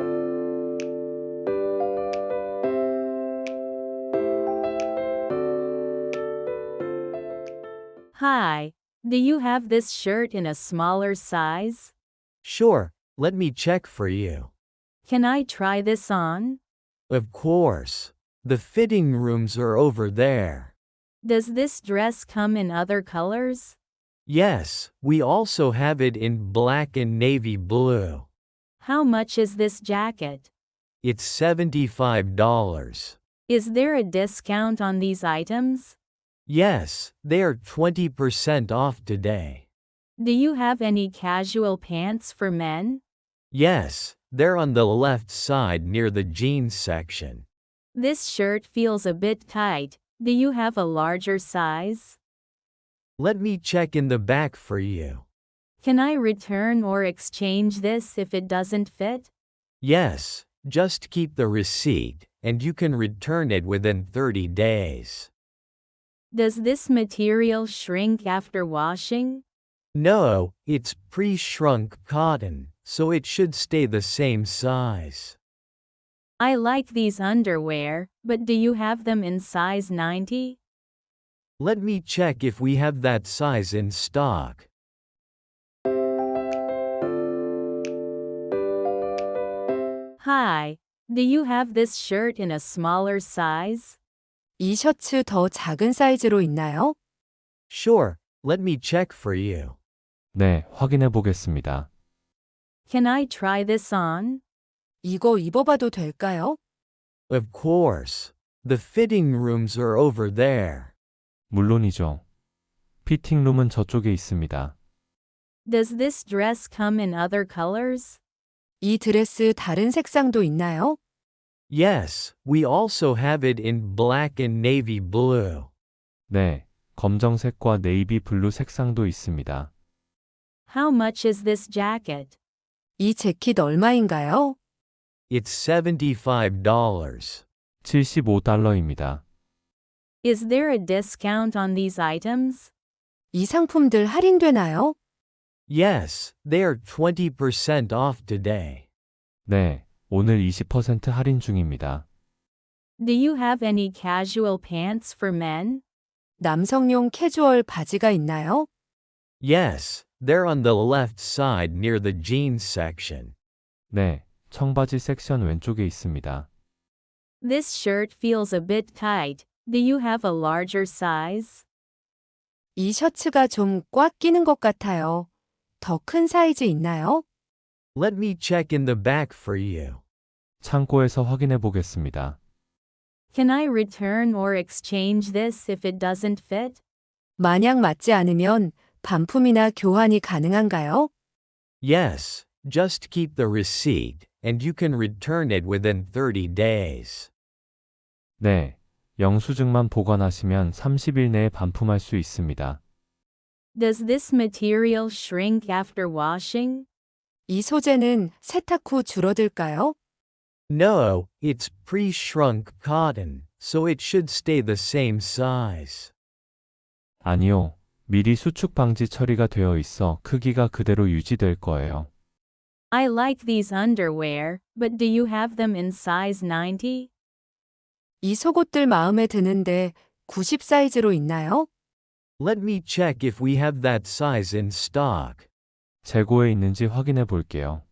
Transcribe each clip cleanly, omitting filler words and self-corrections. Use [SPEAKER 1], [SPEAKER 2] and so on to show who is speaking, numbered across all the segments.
[SPEAKER 1] Hi, do you have this shirt in a smaller size?
[SPEAKER 2] Sure, let me check for you.
[SPEAKER 1] Can I try this on?
[SPEAKER 2] Of course. The fitting rooms are over there.
[SPEAKER 1] Does this dress come in other colors?
[SPEAKER 2] Yes, we also have it in black and navy blue.
[SPEAKER 1] How much is this jacket?
[SPEAKER 2] It's $75.
[SPEAKER 1] Is there a discount on these items?
[SPEAKER 2] Yes, they are 20% off today.
[SPEAKER 1] Do you have any casual pants for men?
[SPEAKER 2] Yes, they're on the left side near the jeans section.
[SPEAKER 1] This shirt feels a bit tight. Do you have a larger size?
[SPEAKER 2] Let me check in the back for you.
[SPEAKER 1] Can I return or exchange this if it doesn't fit?
[SPEAKER 2] Yes, just keep the receipt, and you can return it within 30 days.
[SPEAKER 1] Does this material shrink after washing?
[SPEAKER 2] No, it's pre-shrunk cotton, so it should stay the same size.
[SPEAKER 1] I like these underwear, but do you have them in size 90?
[SPEAKER 2] Let me check if we have that size in stock.
[SPEAKER 1] Hi, do you have this shirt in a smaller size?
[SPEAKER 3] 이 셔츠 더 작은 사이즈로 있나요?
[SPEAKER 2] Sure, let me check for you.
[SPEAKER 4] 네, 확인해 보겠습니다.
[SPEAKER 1] Can I try this on?
[SPEAKER 3] 이거 입어봐도 될까요?
[SPEAKER 2] Of course. The fitting rooms are over there.
[SPEAKER 4] 물론이죠. 피팅룸은 저쪽에 있습니다.
[SPEAKER 1] Does this dress come in other colors?
[SPEAKER 3] 이 드레스 다른 색상도 있나요?
[SPEAKER 2] Yes, we also have it in black and navy blue.
[SPEAKER 4] 네, 검정색과 네이비 블루 색상도 있습니다.
[SPEAKER 1] How much is this jacket?
[SPEAKER 3] 이 재킷 얼마인가요?
[SPEAKER 2] It's $75.
[SPEAKER 4] $75입니다.
[SPEAKER 1] Is there a discount on these items?
[SPEAKER 3] 이 상품들 할인되나요?
[SPEAKER 2] Yes, they are 20% off today.
[SPEAKER 4] 네, 오늘 20% 할인 중입니다.
[SPEAKER 1] Do you have any casual pants for men?
[SPEAKER 3] 남성용 캐주얼 바지가 있나요?
[SPEAKER 2] Yes, they're on the left side near the jeans section.
[SPEAKER 4] 네, 청바지 섹션 왼쪽에 있습니다.
[SPEAKER 1] This shirt feels a bit tight. Do you have a larger size?
[SPEAKER 3] 이 셔츠가 좀 꽉 끼는 것 같아요. 더 큰 사이즈 있나요?
[SPEAKER 2] Let me check in the back for you.
[SPEAKER 4] 창고에서 확인해 보겠습니다.
[SPEAKER 1] Can I return or exchange this if it doesn't fit?
[SPEAKER 3] 만약 맞지 않으면 반품이나 교환이 가능한가요?
[SPEAKER 2] Yes, just keep the receipt, and you can return it within 30 days.
[SPEAKER 4] 네, 영수증만 보관하시면 30일 내에 반품할 수 있습니다.
[SPEAKER 1] Does this material shrink after washing?
[SPEAKER 3] 이 소재는 세탁 후 줄어들까요?
[SPEAKER 2] No, it's pre-shrunk cotton, so it should stay the same size.
[SPEAKER 4] 아니요, 미리 수축 방지 처리가 되어 있어 크기가 그대로 유지될 거예요.
[SPEAKER 1] I like these underwear, but do you have them in size 90?
[SPEAKER 3] 이 속옷들 마음에 드는데 90 사이즈로 있나요?
[SPEAKER 2] Let me check if we have that size in stock.
[SPEAKER 4] 재고에 있는지 확인해 볼게요.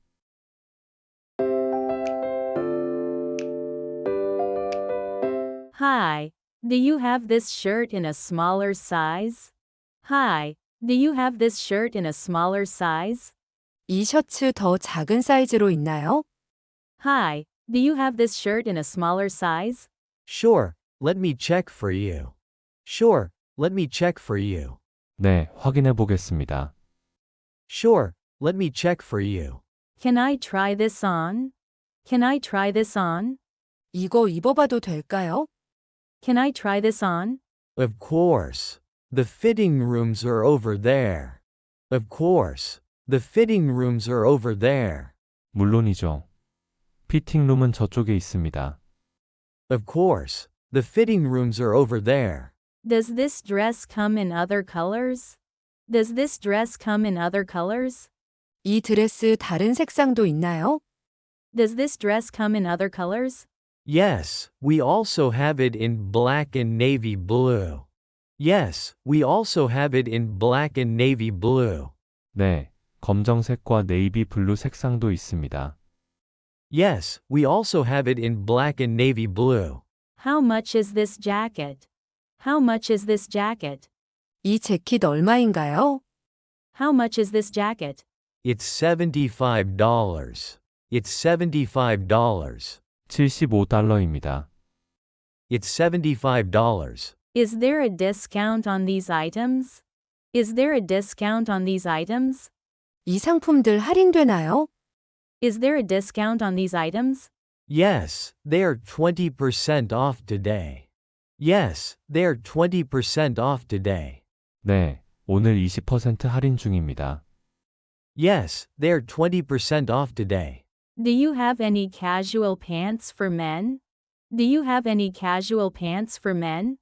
[SPEAKER 1] Hi, do you have this shirt in a smaller size? Hi, do you have this shirt in a smaller size?
[SPEAKER 3] 이 셔츠 더 작은 사이즈로 있나요?
[SPEAKER 1] Hi, do you have this shirt in a smaller size?
[SPEAKER 2] Sure, let me check for you. Sure, let me check for you.
[SPEAKER 4] 네, 확인해 보겠습니다.
[SPEAKER 2] Sure, let me check for you.
[SPEAKER 1] Can I try this on? Can I try this on?
[SPEAKER 3] 이거 입어봐도 될까요?
[SPEAKER 1] Can I try this on?
[SPEAKER 2] Of course. The fitting rooms are over there. Of course. The fitting rooms are over there.
[SPEAKER 4] 물론이죠. 피팅룸은 저쪽에 있습니다.
[SPEAKER 2] Of course. The fitting rooms are over there.
[SPEAKER 1] Does this dress come in other colors? Does this dress come in other colors?
[SPEAKER 3] 이 드레스 다른 색상도 있나요?
[SPEAKER 1] Does this dress come in other colors?
[SPEAKER 2] Yes, we also have it in black and navy blue. Yes, we also have it in black and navy blue.
[SPEAKER 4] 네, 검정색과 네이비 블루 색상도 있습니다.
[SPEAKER 2] Yes, we also have it in black and navy blue.
[SPEAKER 1] How much is this jacket? How much is this jacket?
[SPEAKER 3] 이 재킷 얼마인가요?
[SPEAKER 1] How much is this jacket?
[SPEAKER 2] It's $75. It's $75.
[SPEAKER 4] $75입니다.
[SPEAKER 2] It's $75.
[SPEAKER 1] Is there a discount on these items? Is there a discount on these items?
[SPEAKER 3] 이 상품들 할인되나요?
[SPEAKER 1] Is there a discount on these items?
[SPEAKER 2] Yes, they're 20% off today. Yes, they're 20% off today.
[SPEAKER 4] 네, 오늘 20% 할인 중입니다.
[SPEAKER 2] Yes, they're 20% off today.
[SPEAKER 1] Do you have any casual pants for men? Do you have any casual pants for men?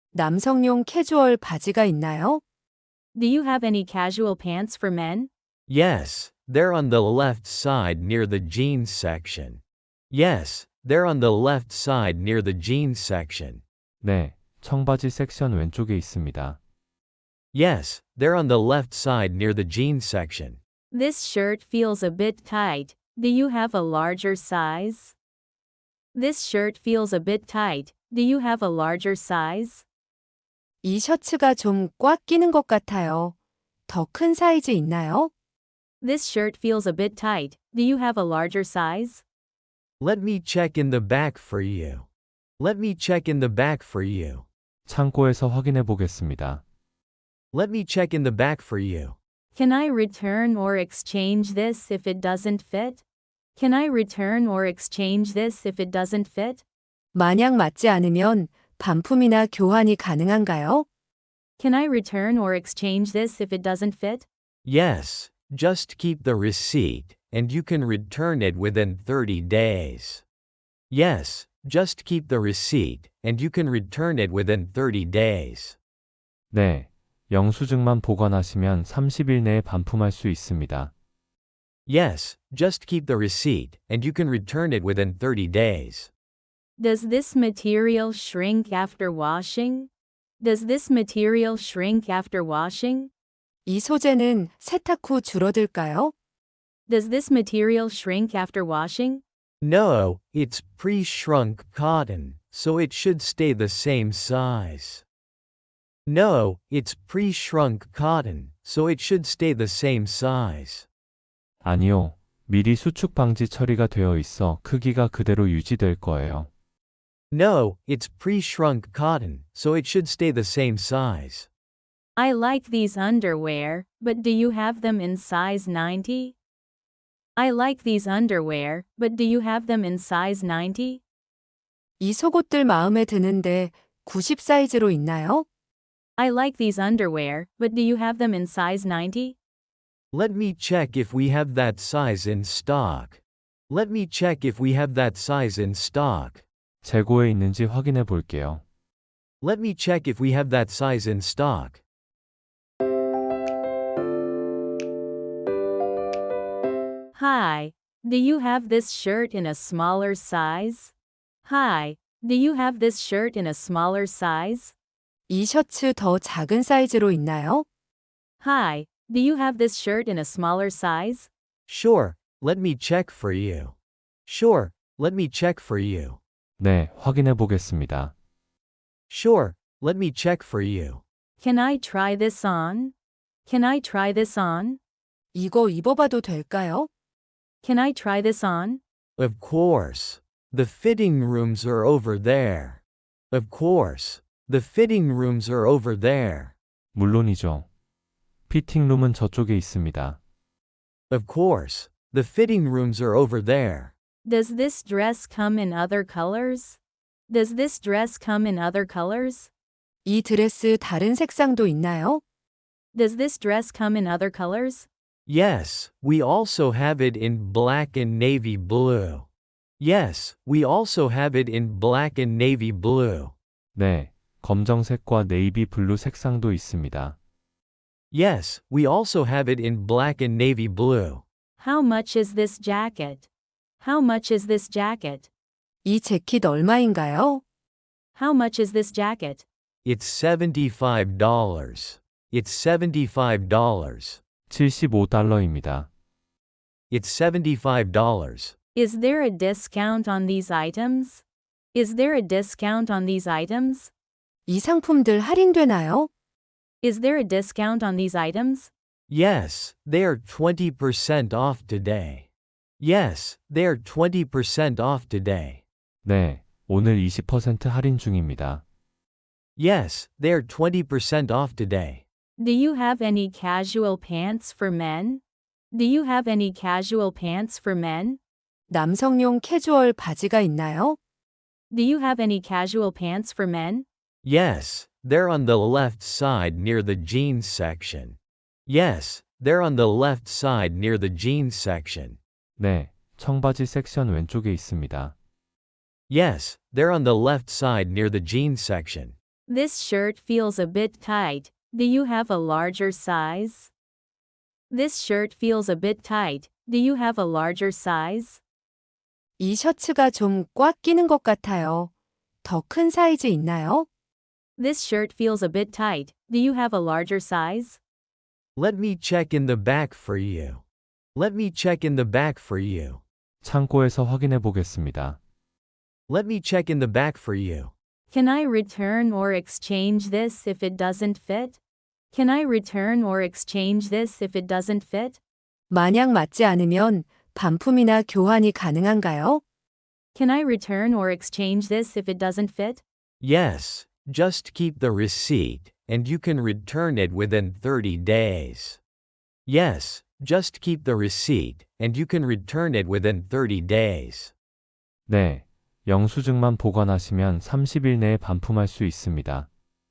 [SPEAKER 3] 남성용 캐주얼 바지가 있나요?
[SPEAKER 1] Do you have any casual pants for men?
[SPEAKER 2] Yes, they're on the left side near the jeans section. Yes, they're on the left side near the jeans section.
[SPEAKER 4] 네, 청바지 섹션 왼쪽에 있습니다.
[SPEAKER 2] Yes, they're on the left side near the jeans section.
[SPEAKER 1] This shirt feels a bit tight. Do you have a larger size? This shirt feels a bit tight. Do you have a larger size?
[SPEAKER 3] 이 셔츠가 좀 꽉 끼는 것 같아요. 더 큰 사이즈 있나요?
[SPEAKER 1] This shirt feels a bit tight. Do you have a larger size?
[SPEAKER 2] Let me check in the back for you. Let me check in the back for you.
[SPEAKER 4] 창고에서 확인해 보겠습니다.
[SPEAKER 2] Let me check in the back for you.
[SPEAKER 1] Can I return or exchange this if it doesn't fit? Can I return or exchange this if it doesn't fit?
[SPEAKER 3] 만약 맞지 않으면 반품이나 교환이 가능한가요?
[SPEAKER 1] Can I return or exchange this if it doesn't fit?
[SPEAKER 2] Yes, just keep the receipt, and you can return it within 30 days. Yes, just keep the receipt, and you can return it within 30 days.
[SPEAKER 4] 네, 영수증만 보관하시면 30일 내에 반품할 수 있습니다.
[SPEAKER 2] Yes, just keep the receipt, and you can return it within 30 days.
[SPEAKER 1] Does this material shrink after washing? Does this material shrink after washing?
[SPEAKER 3] 이 소재는 세탁 후 줄어들까요?
[SPEAKER 1] Does this material shrink after washing?
[SPEAKER 2] No, it's pre-shrunk cotton, so it should stay the same size. No, it's pre-shrunk cotton, so it should stay the same size.
[SPEAKER 4] 아니요, 미리 수축 방지 처리가 되어 있어 크기가 그대로 유지될 거예요.
[SPEAKER 2] No, it's pre-shrunk cotton, so it should stay the same size.
[SPEAKER 1] I like these underwear, but do you have them in size 90? I like these underwear, but do you have them in size 90?
[SPEAKER 3] 이 속옷들 마음에 드는데 90 사이즈로 있나요?
[SPEAKER 1] I like these underwear, but do you have them in size 90?
[SPEAKER 2] Let me check if we have that size in stock. Let me check if we have that size in stock.
[SPEAKER 4] 재고에 있는지 확인해 볼게요.
[SPEAKER 2] Let me check if we have that size in stock.
[SPEAKER 1] Hi, do you have this shirt in a smaller size? Hi, do you have this shirt in a smaller size?
[SPEAKER 3] 이 셔츠 더 작은 사이즈로 있나요?
[SPEAKER 1] Hi, do you have this shirt in a smaller size?
[SPEAKER 2] Sure, let me check for you. Sure, let me check for you.
[SPEAKER 4] 네, 확인해 보겠습니다.
[SPEAKER 2] Sure, let me check for you.
[SPEAKER 1] Can I try this on? Can I try this on?
[SPEAKER 3] 이거 입어봐도 될까요?
[SPEAKER 1] Can I try this on?
[SPEAKER 2] Of course. The fitting rooms are over there. Of course. The fitting rooms are over there.
[SPEAKER 4] 물론이죠. 피팅룸은 저쪽에 있습니다.
[SPEAKER 2] Of course. The fitting rooms are over there.
[SPEAKER 1] Does this dress come in other colors? Does this dress come in other colors?
[SPEAKER 3] 이 드레스 다른 색상도 있나요?
[SPEAKER 1] Does this dress come in other colors?
[SPEAKER 2] Yes, we also have it in black and navy blue. Yes, we also have it in black and navy blue.
[SPEAKER 4] 네, 검정색과 네이비 블루 색상도 있습니다.
[SPEAKER 2] Yes, we also have it in black and navy blue.
[SPEAKER 1] How much is this jacket? How much is this jacket?
[SPEAKER 3] 이 재킷 얼마인가요?
[SPEAKER 1] How much is this jacket?
[SPEAKER 2] It's $75. It's $75.
[SPEAKER 4] $75입니다.
[SPEAKER 2] It's $75.
[SPEAKER 1] Is there a discount on these items? Is there a discount on these items?
[SPEAKER 3] 이 상품들 할인되나요?
[SPEAKER 1] Is there a discount on these items?
[SPEAKER 2] Yes, they are 20% off today. Yes, they are 20% off today.
[SPEAKER 4] 네, 오늘 20% 할인 중입니다.
[SPEAKER 2] Yes, they are 20% off today.
[SPEAKER 1] Do you have any casual pants for men? Do you have any casual pants for men?
[SPEAKER 3] 남성용 캐주얼 바지가 있나요?
[SPEAKER 1] Do you have any casual pants for men?
[SPEAKER 2] Yes, they're on the left side near the jeans section. Yes, they're on the left side near the jeans section.
[SPEAKER 4] 네, 청바지 섹션 왼쪽에 있습니다.
[SPEAKER 2] Yes, they're on the left side near the jeans section.
[SPEAKER 1] This shirt feels a bit tight. Do you have a larger size? This shirt feels a bit tight. Do you have a larger size?
[SPEAKER 3] 이 셔츠가 좀 꽉 끼는 것 같아요. 더 큰 사이즈 있나요?
[SPEAKER 1] This shirt feels a bit tight. Do you have a larger size?
[SPEAKER 2] Let me check in the back for you. Let me check in the back for you.
[SPEAKER 4] 창고에서 확인해 보겠습니다.
[SPEAKER 2] Let me check in the back for you.
[SPEAKER 1] Can I return or exchange this if it doesn't fit? Can I return or exchange this if it doesn't fit?
[SPEAKER 3] 만약 맞지 않으면 반품이나 교환이 가능한가요?
[SPEAKER 1] Can I return or exchange this if it doesn't fit?
[SPEAKER 2] Yes, just keep the receipt, and you can return it within 30 days. Yes, just keep the receipt, and you can return it within 30 days.
[SPEAKER 4] 네, 영수증만 보관하시면 30일 내에 반품할 수 있습니다.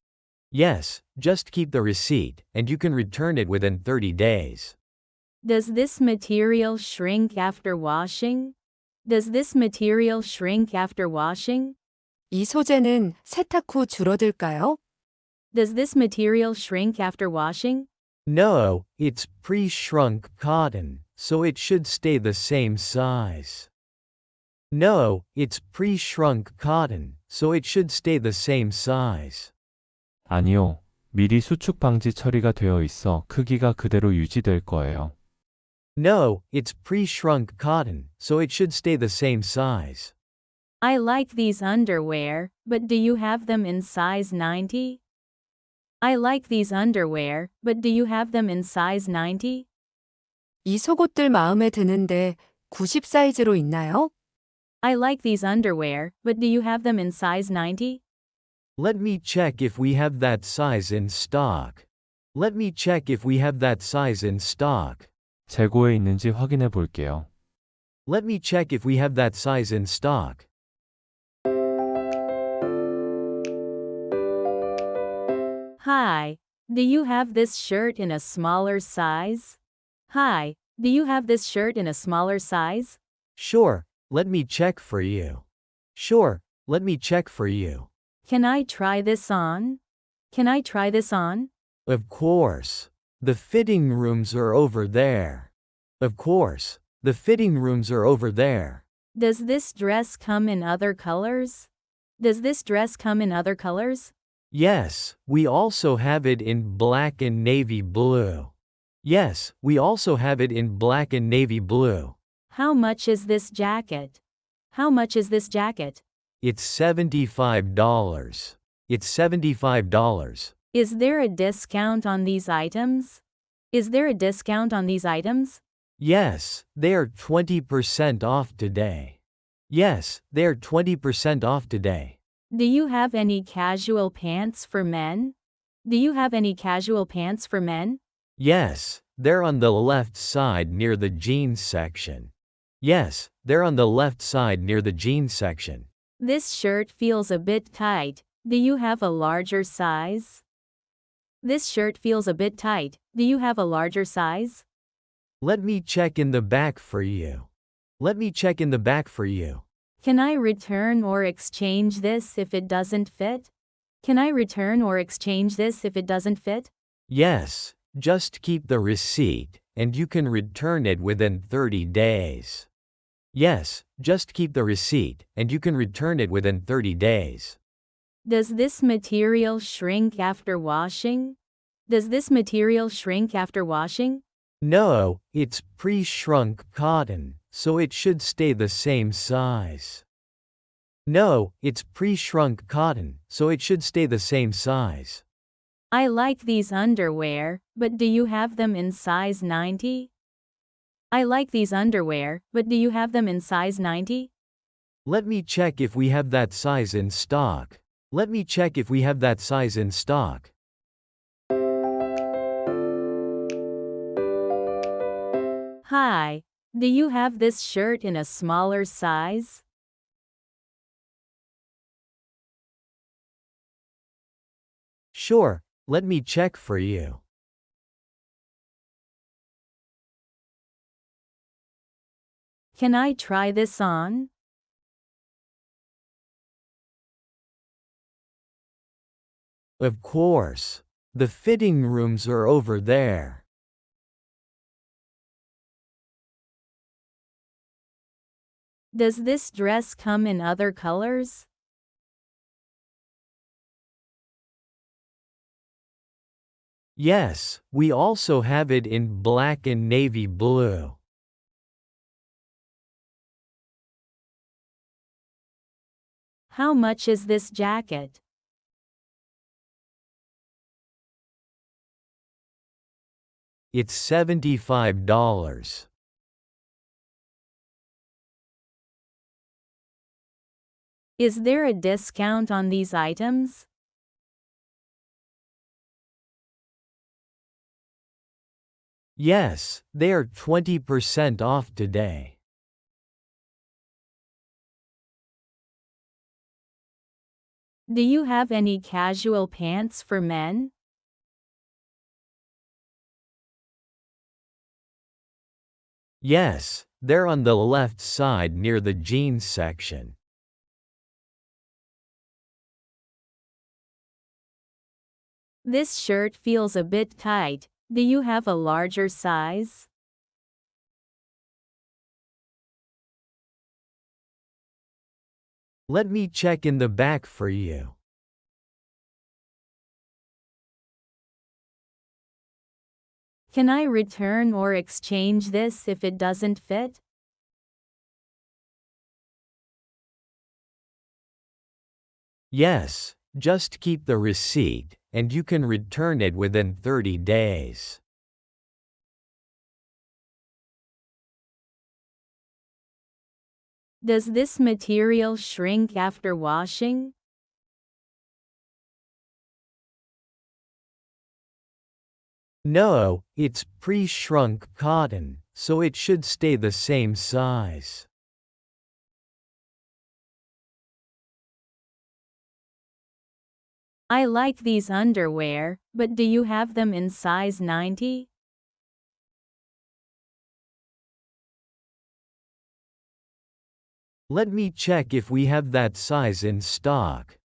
[SPEAKER 2] Yes, just keep the receipt, and you can return it within 30 days.
[SPEAKER 1] Does this material shrink after washing? Does this material shrink after washing?
[SPEAKER 3] 이 소재는 세탁 후 줄어들까요?
[SPEAKER 1] Does this material shrink after washing?
[SPEAKER 2] No, it's pre-shrunk cotton, so it should stay the same size. No, it's pre-shrunk cotton, so it should stay the same size.
[SPEAKER 4] 아니요, 미리 수축 방지 처리가 되어 있어 크기가 그대로 유지될 거예요.
[SPEAKER 2] No, it's pre-shrunk cotton, so it should stay the same size.
[SPEAKER 1] I like these underwear, but do you have them in size 90? I like these underwear, but do you have them in size 90?
[SPEAKER 3] 이 속옷들 마음에 드는데 90 사이즈로 있나요?
[SPEAKER 1] I like these underwear, but do you have them in size 90?
[SPEAKER 2] Let me check if we have that size in stock. Let me check if we have that size in stock.
[SPEAKER 4] 재고에 있는지 확인해 볼게요.
[SPEAKER 2] Let me check if we have that size in stock.
[SPEAKER 1] Hi, do you have this shirt in a smaller size? Hi, do you have this shirt in a smaller size?
[SPEAKER 2] Sure, let me check for you. Sure, let me check for you.
[SPEAKER 1] Can I try this on? Can I try this on?
[SPEAKER 2] Of course. The fitting rooms are over there. Of course. The fitting rooms are over there.
[SPEAKER 1] Does this dress come in other colors? Does this dress come in other colors?
[SPEAKER 2] Yes, we also have it in black and navy blue. Yes, we also have it in black and navy blue.
[SPEAKER 1] How much is this jacket? How much is this jacket?
[SPEAKER 2] It's $75. It's $75.
[SPEAKER 1] Is there a discount on these items? Is there a discount on these items?
[SPEAKER 2] Yes, they are 20% off today. Yes, they are 20% off today.
[SPEAKER 1] Do you have any casual pants for men? Do you have any casual pants for men?
[SPEAKER 2] Yes, they're on the left side near the jeans section. Yes, they're on the left side near the jeans section.
[SPEAKER 1] This shirt feels a bit tight. Do you have a larger size? This shirt feels a bit tight. Do you have a larger size?
[SPEAKER 2] Let me check in the back for you. Let me check in the back for you.
[SPEAKER 1] Can I return or exchange this if it doesn't fit? Can I return or exchange this if it doesn't fit?
[SPEAKER 2] Yes, just keep the receipt, and you can return it within 30 days. Yes, just keep the receipt, and you can return it within 30 days.
[SPEAKER 1] Does this material shrink after washing? Does this material shrink after washing?
[SPEAKER 2] No, it's pre-shrunk cotton, so it should stay the same size. No, it's pre-shrunk cotton, so it should stay the same size.
[SPEAKER 1] I like these underwear, but do you have them in size 90? I like these underwear, but do you have them in size 90?
[SPEAKER 2] Let me check if we have that size in stock. Let me check if we have that size in stock.
[SPEAKER 1] Hi, do you have this shirt in a smaller size?
[SPEAKER 2] Sure, let me check for you.
[SPEAKER 1] Can I try this on?
[SPEAKER 2] Of course. The fitting rooms are over there.
[SPEAKER 1] Does this dress come in other colors?
[SPEAKER 2] Yes, we also have it in black and navy blue.
[SPEAKER 1] How much is this jacket?
[SPEAKER 2] It's $75.
[SPEAKER 1] Is there a discount on these items?
[SPEAKER 2] Yes, they are 20% off today.
[SPEAKER 1] Do you have any casual pants for men?
[SPEAKER 2] Yes, they're on the left side near the jeans section.
[SPEAKER 1] This shirt feels a bit tight. Do you have a larger size?
[SPEAKER 2] Let me check in the back for you.
[SPEAKER 1] Can I return or exchange this if it doesn't fit?
[SPEAKER 2] Yes, just keep the receipt, and you can return it within 30 days.
[SPEAKER 1] Does this material shrink after washing?
[SPEAKER 2] No, it's pre-shrunk cotton, so it should stay the same size.
[SPEAKER 1] I like these underwear, but do you have them in size 90?
[SPEAKER 2] Let me check if we have that size in stock.